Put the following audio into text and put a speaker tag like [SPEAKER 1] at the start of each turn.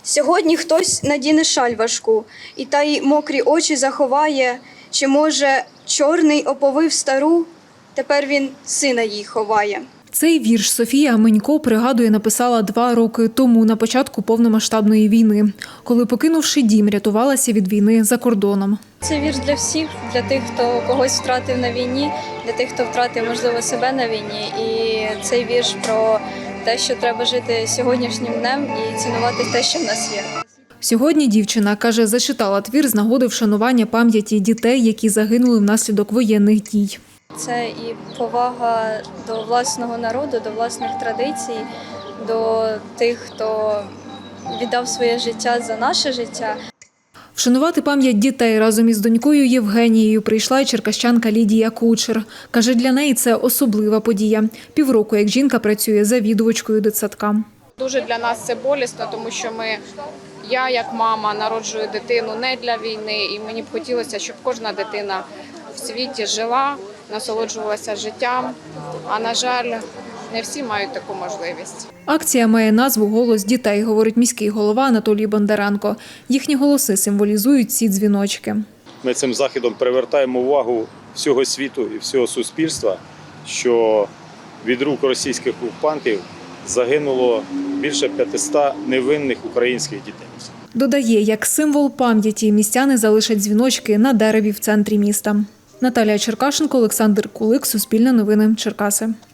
[SPEAKER 1] Сьогодні хтось надіне шаль важку, і та й мокрі очі заховає, чи, може, чорний оповив стару, тепер він сина їй ховає.
[SPEAKER 2] Цей вірш Софія Менько, пригадує, написала 2 роки тому, на початку повномасштабної війни, коли, покинувши дім, рятувалася від війни за кордоном.
[SPEAKER 1] Це вірш для всіх, для тих, хто когось втратив на війні, для тих, хто втратив, можливо, себе на війні. І цей вірш про те, що треба жити сьогоднішнім днем і цінувати те, що в нас є.
[SPEAKER 2] Сьогодні дівчина, каже, зачитала твір з нагоди вшанування пам'яті дітей, які загинули внаслідок воєнних дій.
[SPEAKER 1] Це і повага до власного народу, до власних традицій, до тих, хто віддав своє життя за наше життя.
[SPEAKER 2] Вшанувати пам'ять дітей разом із донькою Євгенією прийшла й черкащанка Лідія Кучер. Каже, для неї це особлива подія. Півроку, як жінка працює завідувачкою дитсадка.
[SPEAKER 3] Дуже для нас це болісно, тому що я як мама народжую дитину не для війни, і мені б хотілося, щоб кожна дитина в світі жила, насолоджувалася життям, а, на жаль, не всі мають таку можливість.
[SPEAKER 2] Акція має назву «Голос дітей», говорить міський голова Анатолій Бондаренко. Їхні голоси символізують ці дзвіночки.
[SPEAKER 4] Ми цим заходом привертаємо увагу всього світу і всього суспільства, що від рук російських окупантів загинуло більше 500 невинних українських дітей.
[SPEAKER 2] Додає, як символ пам'яті містяни залишать дзвіночки на дереві в центрі міста. Наталія Черкашенко, Олександр Кулик, Суспільне новини, Черкаси.